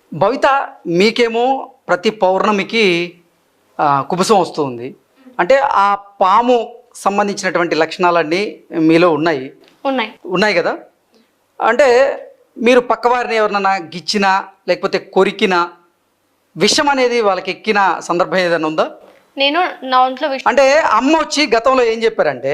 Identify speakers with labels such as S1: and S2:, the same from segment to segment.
S1: భవిత మీకేమో ప్రతి పౌర్ణమికి కుబుసం వస్తుంది, అంటే ఆ పాము సంబంధించినటువంటి లక్షణాలన్నీ మీలో ఉన్నాయి
S2: ఉన్నాయి
S1: ఉన్నాయి కదా. అంటే మీరు పక్కవారిని ఎవరినైనా గిచ్చినా లేకపోతే కొరికినా విషం అనేది వాళ్ళకి ఎక్కిన సందర్భం ఏదైనా ఉందా?
S2: నేను నా ఒంట్లో
S1: అంటే అమ్మ వచ్చి గతంలో ఏం చెప్పారంటే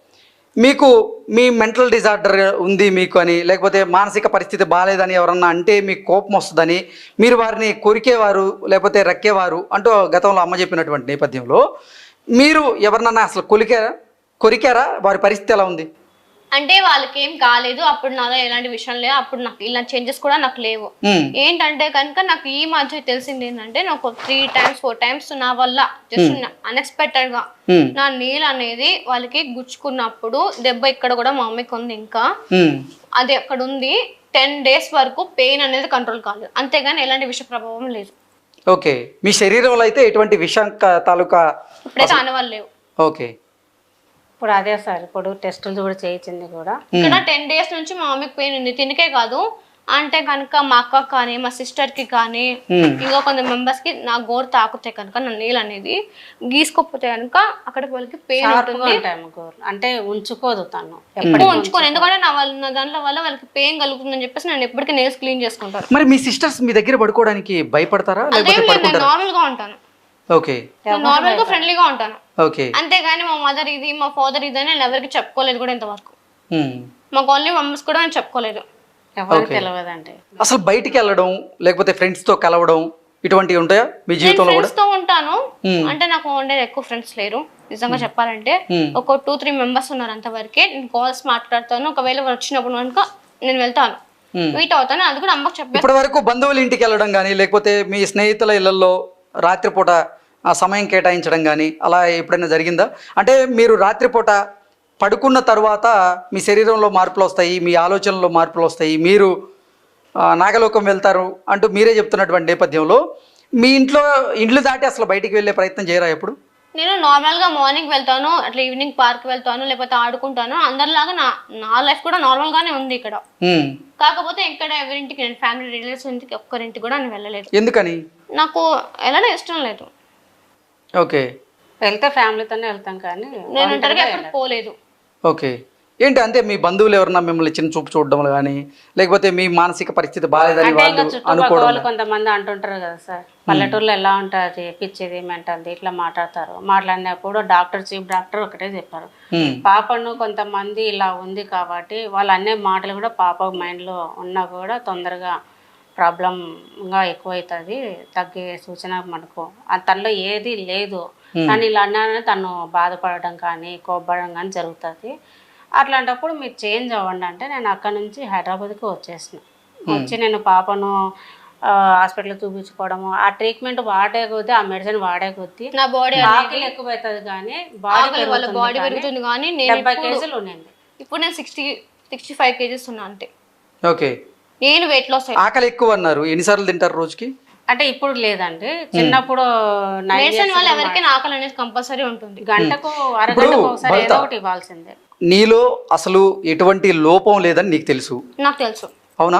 S1: మీకు మీ మెంటల్ డిజార్డర్ ఉంది మీకు అని, లేకపోతే మానసిక పరిస్థితి బాగాలేదని ఎవరన్నా అంటే మీకు కోపం వస్తుందని, మీరు వారిని కొరికేవారు లేకపోతే రక్కేవారు అంటూ గతంలో అమ్మ చెప్పినటువంటి నేపథ్యంలో మీరు ఎవరినన్నా అసలు కొరికారా? వారి పరిస్థితి ఎలా ఉంది?
S2: అంటే వాళ్ళకి ఏం కాలేదు, అప్పుడు నాలో ఎలాంటి విషయం లేదు, అప్పుడు నాకు ఇలాంటి చేంజెస్ కూడా నాకు లేవు. ఏంటంటే కనుక నాకు ఈ మధ్య తెలిసింది ఏంటంటే నాకు 3 times 4 times నా వల్ల జస్ట్ అన్ఎక్స్పెక్టెడ్ గా నా నీళ్ళు అనేది వాళ్ళకి గుచ్చుకున్నప్పుడు దెబ్బ ఇక్కడ కూడా మా మమ్మీకి ఉంది, ఇంకా అది అక్కడ ఉంది. 10 days వరకు పెయిన్ అనేది కంట్రోల్ కాలేదు, అంతేగాని ఎలాంటి విష ప్రభావం లేదు.
S1: ఓకే, మీ శరీరంలో అయితే ఎటువంటి విషం తాలూకా
S2: ఇప్పుడైతే ఆనవాళ్ళు లేవు.
S1: ఓకే,
S3: ఇప్పుడు అదే సార్, ఇప్పుడు టెస్టులు కూడా చేయించింది కూడా.
S2: ఇక్కడ 10 days నుంచి మా మమ్మీకి పెయిన్ ఉంది, తినకే కాదు అంటే కనుక మా అక్క కానీ మా సిస్టర్ కి కానీ ఇంకా కొంత మెంబర్స్ కి నా గోరు తాకుతే కనుక నా నీళ్ళు అనేది గీసుకోపోతే కనుక అక్కడికి వాళ్ళకి పెయిన్ ఉంటుంది.
S3: అంటే ఉంచుకోదు తను,
S2: ఎప్పుడు ఉంచుకోను, ఎందుకంటే నా దాంట్లో వల్ల వాళ్ళకి పెయిన్ కలుగుతుందని చెప్పేసి నేను ఎప్పటికీ నేల్స్ క్లీన్ చేసుకుంటాను.
S1: మరి మీ సిస్టర్స్ మీ దగ్గర పడుకోవడానికి భయపడతారా?
S2: నేను నార్మల్ గా ఉంటాను,
S1: ఓకే,
S2: నార్మల్ గా ఫ్రెండ్లీగా ఉంటాను,
S1: ఓకే.
S2: అంతేగాని మా మదర్ ఇది మా ఫాదర్ ఇది అని నేను ఎవరికి చెప్పుకోలేదు కూడా ఇంతవరకు. మాకు ఓన్లీ మమ్మీస్ కూడా నేను చెప్పుకోలేదు,
S3: ఎవరికి తెలియదండి.
S1: అసలు బయటికి వెళ్ళడం లేకపోతే ఫ్రెండ్స్ తో కలవడం ఇటువంటివి ఉంటాయా మీ జీవితంలో?
S2: ఫ్రెండ్స్ తో ఉంటాను, అంటే నాకు ఉండేది ఎక్కువ ఫ్రెండ్స్ లేరు నిజంగా చెప్పాలంటే. ఒక 2-3 మెంబర్స్ ఉన్నారు అంతవరకే. నేను కాల్స్ మాట్లాడతాను, ఒకవేళ వచ్చినప్పుడు కనుక నేను వెళ్తాను, మీట్ అవుతాను, అది కూడా అమ్మకి చెప్పాను.
S1: ఇప్పటి వరకు బంధువుల ఇంటికి వెళ్ళడం కానీ లేకపోతే మీ స్నేహితుల ఇళ్లలో రాత్రిపూట ఆ సమయం కేటాయించడం కానీ అలా ఎప్పుడైనా జరిగిందా? అంటే మీరు రాత్రిపూట పడుకున్న తర్వాత మీ శరీరంలో మార్పులు వస్తాయి, మీ ఆలోచనలో మార్పులు వస్తాయి, మీరు నాగలోకం వెళ్తారు అంటూ మీరే చెప్తున్నటువంటి నేపథ్యంలో మీ ఇండ్లు దాటి అసలు బయటికి వెళ్ళే ప్రయత్నం చేయరా ఎప్పుడు?
S2: నేను నార్మల్ గా మార్నింగ్ వెళ్తాను, అట్లా ఈవినింగ్ పార్క్ వెళ్తాను, లేకపోతే ఆడుకుంటాను. అందరిలాగా నా లైఫ్ కూడా నార్మల్ గానే ఉంది ఇక్కడ. కాకపోతే ఇక్కడ ఎవరింటికి నేను ఫ్యామిలీ రిలేటివ్స్ ఇంటికి ఒక్కరింటికి కూడా నేను వెళ్ళలేదు.
S1: ఎందుకని?
S2: నాకు వెళ్ళడం ఇష్టం లేదు.
S1: ఓకే,
S3: వెళ్తే ఫ్యామిలీతోనే వెళ్తాం కానీ
S2: నేను ఒంటరిగా ఎప్పుడు పోలేదు.
S1: ఓకే, ఏంటి అంటే మీ బంధువులు ఎవరన్నా మిమ్మల్ని చిన్న చూపు చూడడం కానీ లేకపోతే మీ మానసిక పరిస్థితి బాగాలేదని వాళ్ళు అనుకోవడం?
S3: కొంతమంది అంటుంటారు కదా సార్, పల్లెటూరులో ఎలా ఉంటుంది పిచ్చిది మెంటల్ది ఇట్లా మాట్లాడతారు. మాట్లాడినప్పుడు చీఫ్ డాక్టర్ ఒకటే చెప్పారు, పాపను కొంతమంది ఇలా ఉంది కాబట్టి వాళ్ళు అనే మాటలు కూడా పాప మైండ్లో ఉన్నా కూడా తొందరగా ప్రాబ్లంగా ఎక్కువైతుంది, తగ్గే సూచన మనకు తనలో ఏది లేదు. కానీ ఇలా అన్నారని తను బాధపడడం కానీ కోప్పడడం కానీ జరుగుతుంది. అట్లాంటప్పుడు మీరు చేంజ్ అవ్వండి అంటే నేను అక్కడ నుంచి హైదరాబాద్కి వచ్చి నేను పాపను హాస్పిటల్ చూపించుకోవడము, ఆ ట్రీట్మెంట్ వాడే కొద్దీ ఆ మెడిసిన్ వాడే కొద్దీ
S2: నా బాడీ
S3: ఆకలి ఎక్కువైతుంది కానీ బాడీ
S2: పెరుగుతుంది. కానీ
S3: 70 కేజీలు ఉన్నాయండి,
S2: ఇప్పుడు నేను 60-65 కేజీస్ ఉన్నా అంతే.
S1: ఓకే,
S2: నేను వెయిట్ లాస్.
S1: ఆకలి ఎక్కువ అన్నారు, ఎన్నిసార్లు తింటారు రోజుకి?
S3: అంటే ఇప్పుడు లేదండి, చిన్నప్పుడు
S2: మెడిసిన్ వల్ల ఎవరికైనా ఆకలి అనేది కంపల్సరీ ఉంటుంది,
S3: గంటకు అరగంటకు ఒకసారి ఏదో ఒకటి ఇవ్వాల్సిందే.
S1: నీలో అసలు ఎటువంటి లోపం లేదని నీకు తెలుసు?
S2: నాకు తెలుసు.
S1: అవునా?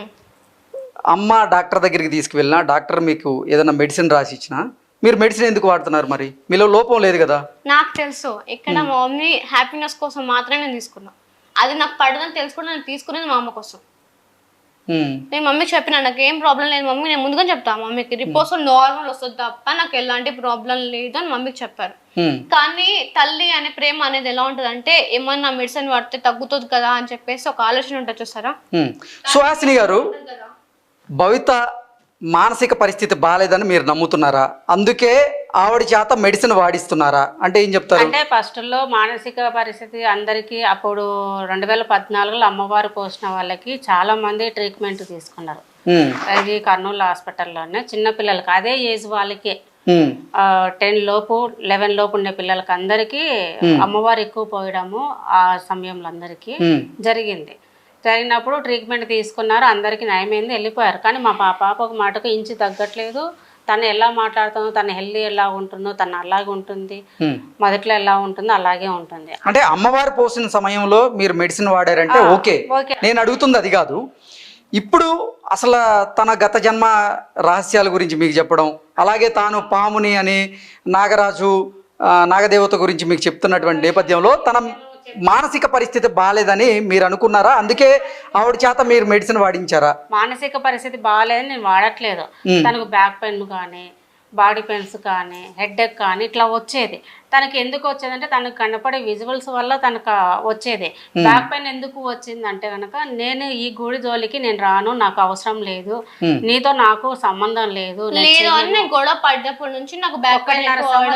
S1: అమ్మ డాక్టర్ దగ్గరికి తీసుకువెళ్ళినా డాక్టర్ మీకు ఏదైనా మెడిసిన్ రాసి ఇచ్చినా మీరు మెడిసిన్ ఎందుకు వాడుతున్నారు? మరి మీలో లోపం లేదు కదా?
S2: నాకు తెలుసు, ఇక్కడ మా మమ్మీ హ్యాపీనెస్ కోసం మాత్రమే నేను తీసుకున్నా. అది నాకు పడదని తెలుసుకుని నేను తీసుకునేది మా అమ్మ కోసం. నేను మమ్మీకి చెప్పిన నాకు ఏం ప్రాబ్లం లేదు మమ్మీ, నేను ముందుగా చెప్తా మమ్మీకి రిపోర్ట్స్ నార్మల్ వస్తుంది తప్ప నాకు ఎలాంటి ప్రాబ్లం లేదు అని మమ్మీకి చెప్పారు. కానీ తల్లి అనే ప్రేమ అనేది ఎలా ఉంటుంది అంటే ఏమన్నా మెడిసిన్ వాడితే తగ్గుతుంది కదా అని చెప్పేసి ఒక ఆలోచన ఉంటుంది చూసారా.
S1: సుహాసిని గారు, భవిత మానసిక పరిస్థితి బాగాలేదని మీరు నమ్ముతున్నారా? అందుకే ఆవిడ చేత మెడిసిన్ వాడిస్తున్నారా అంటే ఏం చెప్తారు?
S3: అంటే ఫస్ట్ లో మానసిక పరిస్థితి అందరికి అప్పుడు 2014లో అమ్మవారు పోసిన వాళ్ళకి చాలా మంది ట్రీట్మెంట్ తీసుకున్నారు. అది కర్నూలు హాస్పిటల్లోనే చిన్న పిల్లలకి అదే ఏజ్ వాళ్ళకే 10 లోపు 11 లోపు ఉండే పిల్లలకి అందరికీ అమ్మవారు ఎక్కువ పోయడము ఆ సమయంలో అందరికీ జరిగినప్పుడు ట్రీట్మెంట్ తీసుకున్నారు, అందరికీ నయమైంది, వెళ్ళిపోయారు. కానీ మా పాప ఒక మాటకు ఇంచు తగ్గట్లేదు. తను ఎలా మాట్లాడుతుందో, తన హెల్దీ ఎలా ఉంటుందో తను అలాగే ఉంటుంది, మొదట్లో ఎలా ఉంటుందో అలాగే ఉంటుంది.
S1: అంటే అమ్మవారు పోసిన సమయంలో మీరు మెడిసిన్ వాడారంటే ఓకే, నేను అడుగుతుంది అది కాదు. ఇప్పుడు అసలు తన గత జన్మ రహస్యాల గురించి మీకు చెప్పడం, అలాగే తాను పాముని అని నాగరాజు నాగదేవత గురించి మీకు చెప్తున్నటువంటి నేపథ్యంలో తన మానసిక పరిస్థితి బాగాలేదని మీరు అనుకున్నారా? అందుకే ఆవిడ చేత మీరు మెడిసిన్ వాడించారా?
S3: మానసిక పరిస్థితి బాగాలేదని నేను వాడట్లేదు. తనకు బ్యాక్ పెయిన్ కానీ, బాడీ పెయిన్స్ కానీ, హెడ్ఏక్ కానీ ఇట్లా వచ్చేది. తనకి ఎందుకు వచ్చేదంటే తనకు కనపడే విజువల్స్ వల్ల తనకు వచ్చేది. బ్యాక్ పెయిన్ ఎందుకు వచ్చిందంటే కనుక నేను ఈ గుడి జోలికి నేను రాను, నాకు అవసరం లేదు, నీతో నాకు సంబంధం లేదు
S2: లేదు అని నేను గొడవ పడ్డప్పటి నుంచి నాకు బ్యాక్ పెయిన్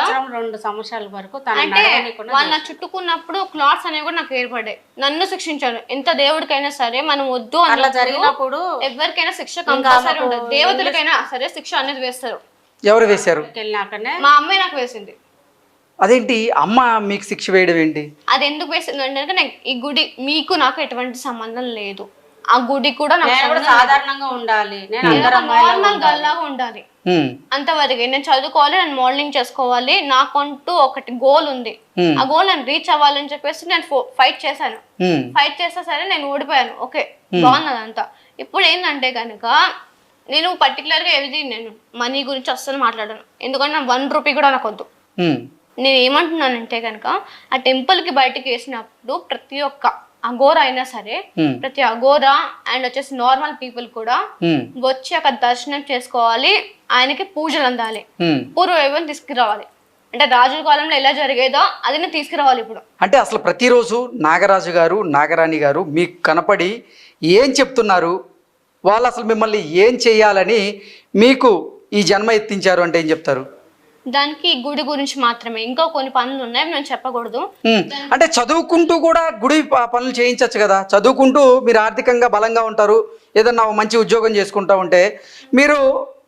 S3: 2 సంవత్సరాల వరకు
S2: అంటే వాళ్ళు నా చుట్టుకున్నప్పుడు క్లాట్స్ అనేవి కూడా నాకు ఏర్పడ్డాయి. నన్ను శిక్షించారు. ఎంత దేవుడికైనా సరే మనం వద్దు
S3: అట్లా జరిగినప్పుడు
S2: ఎవరికైనా శిక్ష కంపల్సరీ ఉంటుంది. దేవతలకైనా సరే శిక్ష అనేది వేస్తారు.
S1: ఎవరు వేశారు?
S3: వెళ్ళినాకనే
S2: మా అమ్మాయి నాకు వేసింది.
S1: అదేంటి అమ్మ మీకు శిక్ష వేయడం ఏంటి?
S2: అది ఎందుకు వేసింది అంటే ఈ గుడి మీకు నాకు ఎటువంటి సంబంధం లేదు, ఆ గుడి కూడా నాకు
S3: సాధారణంగా ఉండాలి, నేను
S2: నార్మల్ గల్లాగా ఉండాలి అంతవరకు. నేను చదువుకోవాలి, నేను మోడలింగ్ చేసుకోవాలి, నాకంటూ ఒకటి గోల్ ఉంది. ఆ గోల్ నేను రీచ్ అవ్వాలని చెప్పేసి నేను ఫైట్ చేశాను. ఫైట్ చేస్తే సరే నేను ఓడిపోయాను. ఓకే, బాగున్నది అంతా. ఇప్పుడు ఏంటంటే కనుక నేను పర్టికులర్గా ఏది నేను మనీ గురించి అస్సలు మాట్లాడాను. ఎందుకంటే నాకు 1 రూపీ కూడా నాకు వద్దు. నేను ఏమంటున్నానంటే కనుక ఆ టెంపుల్కి బయటకు వేసినప్పుడు ప్రతి ఒక్క అఘోరా అయినా సరే, ప్రతి అఘోరా అండ్ వచ్చేసి నార్మల్ పీపుల్ కూడా వచ్చి అక్కడ దర్శనం చేసుకోవాలి, ఆయనకి పూజలు అందాలి, పూర్వ వైభవం తీసుకురావాలి. అంటే రాజుల కాలంలో ఎలా జరిగేదో అది తీసుకురావాలి ఇప్పుడు.
S1: అంటే అసలు ప్రతిరోజు నాగరాజు గారు నాగరాణి గారు మీకు కనపడి ఏం చెప్తున్నారు? వాళ్ళు అసలు మిమ్మల్ని ఏం చేయాలని మీకు ఈ జన్మ ఎత్తించారు అంటే ఏం చెప్తారు?
S2: దానికి గుడి గురించి మాత్రమే, ఇంకా కొన్ని పనులు ఉన్నాయి నేను చెప్పకూడదు.
S1: అంటే చదువుకుంటూ కూడా గుడి పనులు చేయించవచ్చు కదా. చదువుకుంటూ మీరు ఆర్థికంగా బలంగా ఉంటారు, ఏదన్నా మంచి ఉద్యోగం చేసుకుంటూ ఉంటే, మీరు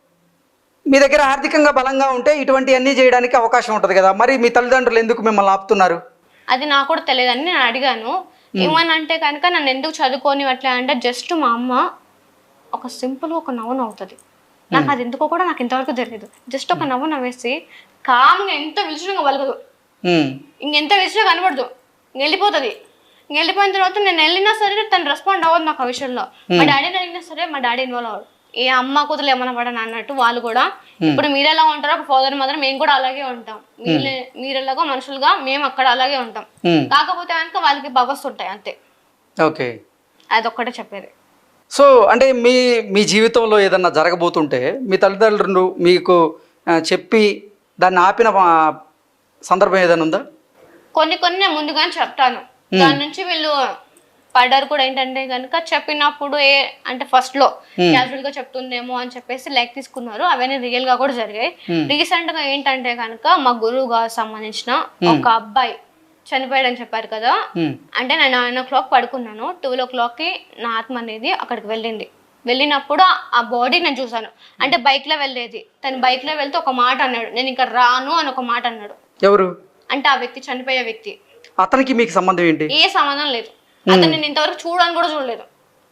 S1: మీ దగ్గర ఆర్థికంగా బలంగా ఉంటే ఇటువంటి అన్నీ చేయడానికి అవకాశం ఉంటుంది కదా. మరి మీ తల్లిదండ్రులు ఎందుకు మిమ్మల్ని ఆపుతున్నారు?
S2: అది నాకు కూడా తెలియదని నేను అడిగాను. ఏమనంటే కనుక నన్ను ఎందుకు చదువుకొని అట్లా అంటే జస్ట్ మా అమ్మ ఒక సింపుల్ ఒక నవ్వు నవ్వుతుంది. నాకు అది ఎందుకో కూడా నాకు ఇంతవరకు తెలియదు. జస్ట్ ఒక నవ్వు నవ్వేసి కామ్గా ఎంత విలుచుగా వలగదు, ఇంకెంత విలుచుగా కనబడదు, వెళ్ళిపోతుంది. వెళ్ళిపోయిన తర్వాత నేను వెళ్ళినా సరే తను రెస్పాండ్ అవ్వదు నాకు ఆ విషయంలో. మా డాడీని అడిగినా సరే మా డాడీ ఇన్వాల్వ్ అవ్వడు. ఏ అమ్మ కూతురు ఏమన్నా పడని అన్నట్టు వాళ్ళు కూడా. ఇప్పుడు మీరు ఎలా ఉంటారో ఒక ఫాదర్ మదర్ మేము కూడా అలాగే ఉంటాం, మీరు ఎలాగో మనుషులుగా మేము అక్కడ అలాగే ఉంటాం. కాకపోతే కనుక వాళ్ళకి బవర్స్ ఉంటాయి అంతే.
S1: ఓకే,
S2: అదొక్కటే చెప్పేది.
S1: సో అంటే మీ జీవితంలో ఏదన్నా జరగబోతుంటే మీ తల్లిదండ్రులు మీకు చెప్పి దాన్ని ఆపిన సందర్భం ఏదైనా ఉందా?
S2: కొన్ని నేను ముందుగానే చెప్తాను. దాని నుంచి వీళ్ళు పడ్డారు కూడా. ఏంటంటే కనుక చెప్పినప్పుడు అంటే ఫస్ట్ లో క్యాజువల్ గా చెప్తుందేమో అని చెప్పేసి లైక్ తీసుకున్నారు. అవన్నీ రియల్ గా కూడా జరిగాయి. రీసెంట్ గా ఏంటంటే కనుక మా గురువు గారు సంబంధించిన ఒక అబ్బాయి చనిపోయాడని చెప్పారు కదా. అంటే నేను 9 o'clock పడుకున్నాను, 12 o'clockకి నా ఆత్మ అనేది అక్కడికి వెళ్ళింది. వెళ్ళినప్పుడు ఆ బాడీ నేను చూసాను. అంటే బైక్ లో వెళ్ళేది, తను బైక్ లో వెళ్తే ఒక మాట అన్నాడు, నేను ఇక్కడ రాను అని ఒక మాట అన్నాడు.
S1: ఎవరు? అంటే
S2: ఆ వ్యక్తి, చనిపోయే వ్యక్తి.
S1: అతనికి మీకు సంబంధం ఏంటి?
S2: ఏ సంబంధం లేదు. అతను నేను ఇంతవరకు చూడని కూడా చూడలేదు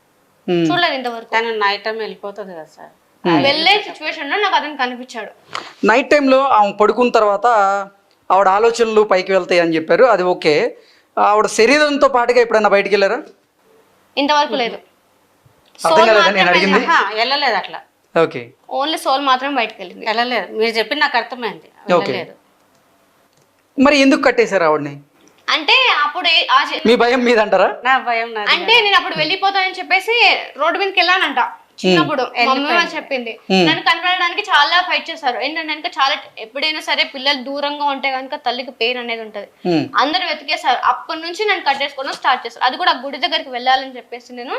S2: ఇంతవరకు.
S3: తను నైట్ టైం వెళ్ళిపోతుంది కదా సార్.
S2: వెళ్ళే సిచ్యువేషన్ లో నాకు అతను కనిపించాడు.
S1: నైట్ టైంలో ఆమె పడుకున్న తర్వాత ఆవిడ ఆలోచనలు పైకి వెళ్తాయి అని చెప్పారు, అది ఓకే. ఆవిడ శరీరంతో పాటుగా ఎప్పుడైనా బయటికి వెళ్ళారా?
S2: ఇంతవరకు లేదు.
S3: వెళ్ళలేదు అట్లా.
S1: ఓకే,
S2: ఓన్లీ సోల్ మాత్రం బయటకు వెళ్ళింది.
S3: వెళ్ళలేదు. మీరు చెప్పి నాకు అర్థమైంది. వెళ్ళలేదు.
S1: మరి ఎందుకు కట్టేశారు ఆవిడని?
S2: అంటే అప్పుడు
S1: మీ భయం మీద అంటారా?
S3: నా భయం.
S2: అంటే నేను అప్పుడు వెళ్ళిపోతానని చెప్పేసి రోడ్డు మీదకి వెళ్ళానంట చిన్నప్పుడు. మమ్మీ వాళ్ళు చెప్పింది. నన్ను కనపడడానికి చాలా ఫైట్ చేశారు. ఏంటంటే చాలా ఎప్పుడైనా సరే పిల్లలు దూరంగా ఉంటే కనుక తల్లికి పెయిన్ అనేది ఉంటది. అందరు వెతికేశారు. అప్పటి నుంచి నేను కట్టేసుకోవడం స్టార్ట్ చేశాను. అది కూడా గుడి దగ్గరికి వెళ్ళాలని చెప్పేసి నేను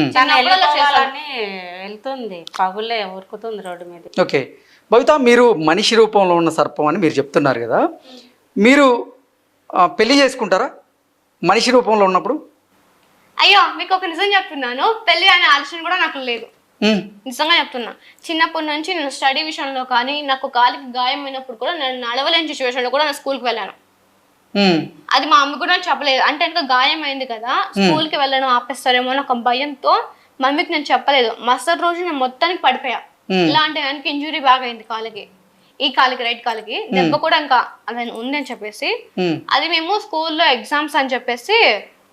S3: వెళ్తుంది, పగులే ఉరుకుతుంది రోడ్డు మీద.
S1: ఓకే భవిత, మీరు మనిషి రూపంలో ఉన్న సర్పం అని మీరు చెప్తున్నారు కదా, మీరు పెళ్లి చేసుకుంటారా మనిషి రూపంలో ఉన్నప్పుడు?
S2: అయ్యో, మీకు ఒక నిజం చెప్తున్నాను, పెళ్లి అనే ఆలోచన కూడా నాకు లేదు. నిజంగా చెప్తున్నా. చిన్నప్పటి నుంచి నేను స్టడీ విషయంలో కానీ, నాకు కాలికి గాయం అయినప్పుడు కూడా నేను నడవలేని సిచ్యువేషన్ లో కూడా నేను స్కూల్కి వెళ్ళాను. అది మా అమ్మ కూడా చెప్పలేదు. అంటే ఇంకా గాయం అయింది కదా, స్కూల్కి వెళ్ళడం ఆపేస్తారేమో నాకు భయంతో మమ్మీకి నేను చెప్పలేదు. మరుసటి రోజు నేను మొత్తానికి పడిపోయా. ఇలా అంటే కనుక ఇంజురీ బాగా అయింది కాలికి, ఈ కాలికి, రైట్ కాలికి దెబ్బ కూడా ఇంకా అది ఉంది అని చెప్పేసి, అది మేము స్కూల్లో ఎగ్జామ్స్ అని చెప్పేసి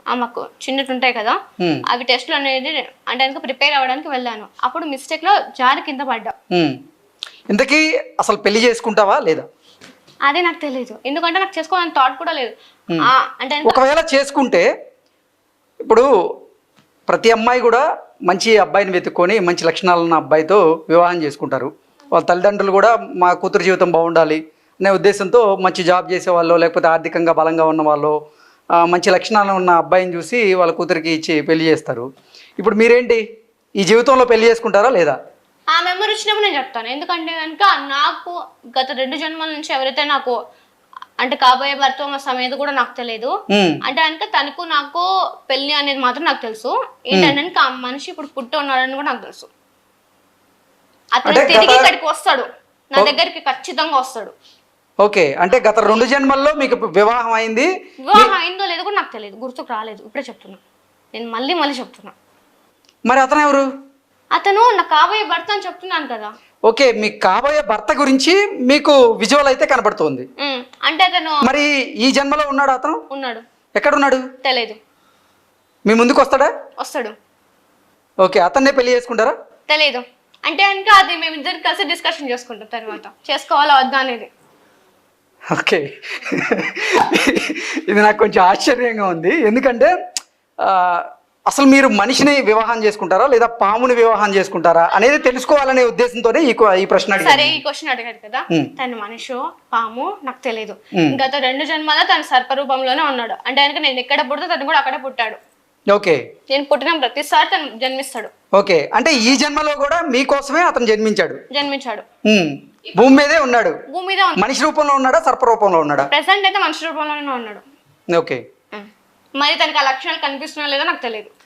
S2: మాకు చిన్నటి ఉంటాయి కదా
S1: ఉమ్,
S2: అవి టెస్ట్లు అనేది అంటే కనుక ప్రిపేర్ అవ్వడానికి వెళ్ళాను. అప్పుడు మిస్టేక్ లో జారి కింద పడ్డా.
S1: ఉమ్. ఇంతకీ అసలు పెళ్లి చేసుకుంటావా లేదా?
S2: అదే నాకు తెలియదు, ఎందుకంటే నాకు చేసుకోవాలని థాట్ కూడా లేదు. అంటే
S1: ఒకవేళ చేసుకుంటే ఇప్పుడు ప్రతి అమ్మాయి కూడా మంచి అబ్బాయిని వెతుక్కొని మంచి లక్షణాలు ఉన్న అబ్బాయితో వివాహం చేసుకుంటారు. వాళ్ళ తల్లిదండ్రులు కూడా మా కూతురు జీవితం బాగుండాలి అనే ఉద్దేశంతో మంచి జాబ్ చేసే వాళ్ళు, లేకపోతే ఆర్థికంగా బలంగా ఉన్న వాళ్ళు, మంచి లక్షణాలు ఉన్న అబ్బాయిని చూసి వాళ్ళ కూతురికి ఇచ్చి పెళ్లి చేస్తారు. ఇప్పుడు మీరేంటి, ఈ జీవితంలో పెళ్లి చేసుకుంటారా లేదా?
S2: ఆ మెమరీ వచ్చినప్పుడు నేను చెప్తాను. ఎందుకంటే కనుక నాకు గత 2 జన్మల నుంచి ఎవరైతే నాకు అంటే కాబోయే భర్త మా సమేత కూడా నాకు తెలియదు.
S1: ఉమ్,
S2: అంటే కనుక తనకు నాకు పెళ్లి అనేది మాత్రం నాకు తెలుసు. ఏంటంటే కనుక ఆ మనిషి ఇప్పుడు పుట్టి ఉన్నాడని కూడా నాకు తెలుసు. అతను
S1: అంటే
S2: తిరిగి ఇక్కడికి వస్తాడు, నా దగ్గరికి ఖచ్చితంగా వస్తాడు.
S1: ఓకే, అంటే గత 2 జన్మల్లో మీకు వివాహం అయింది.
S2: వివాహం అయిందో లేదో కూడా నాకు తెలియదు, గుర్తుకు రాలేదు. ఇప్పుడే చెప్తున్నా, నేను మళ్ళీ చెప్తున్నా.
S1: మరి అతను ఎవరు?
S2: అతను నా కాబోయే భర్త అని చెప్తున్నాను కదా.
S1: ఓకే, మీ కాబోయే భర్త గురించి మీకు విజువల్ అయితే కనబడుతుంది.
S2: అంటే అతను
S1: మరి ఈ జన్మలో ఉన్నాడు అతను?
S2: ఉన్నాడు.
S1: ఎక్కడున్నాడు?
S2: తెలియదు.
S1: మీ ముందుకు వస్తాడా?
S2: వస్తాడు.
S1: ఓకే, అతన్నే పెళ్లి చేసుకుంటారా?
S2: తెలియదు. అంటే కనుక అది మేమిద్దరు కలిసి డిస్కషన్ చేసుకుంటాం తర్వాత, చేసుకోవాలా వద్దా అనేది.
S1: ఓకే, ఇది నాకు కొంచెం ఆశ్చర్యంగా ఉంది. ఎందుకంటే అసలు మీరు మనిషిని వివాహం చేసుకుంటారా లేదా పాముని వివాహం చేసుకుంటారా అనేది తెలుసుకోవాలనే ఉద్దేశంతోనే ఈ ప్రశ్న
S2: సరే,
S1: అడిగాను.
S2: ఈ క్వశ్చన్ అడిగారు కదా, తను మనిషో పాము నాకు తెలియదు. గత 2 జన్మలో తను సర్పరూపంలోనే ఉన్నాడు. అంటే కనుక నేను ఎక్కడ పుడితే తను కూడా అక్కడే పుట్టాడు.
S1: ఓకే,
S2: నేను పుట్టిన ప్రతిసారి తను జన్మిస్తాడు.
S1: ఓకే, అంటే ఈ జన్మలో కూడా మీకోసమే అతను
S2: జన్మించాడు.
S1: భూమి మీదే ఉన్నాడు.
S2: భూమి మీద
S1: మనిషి రూపంలో ఉన్నాడా, సర్ప రూపంలో ఉన్నాడా?
S2: ప్రెసెంట్ అయితే మనిషి రూపంలోనే ఉన్నాడు.
S1: ఓకే,
S2: మరి తనకి ఆ లక్షణాలు కనిపిస్తున్నా లేదో నాకు తెలియదు.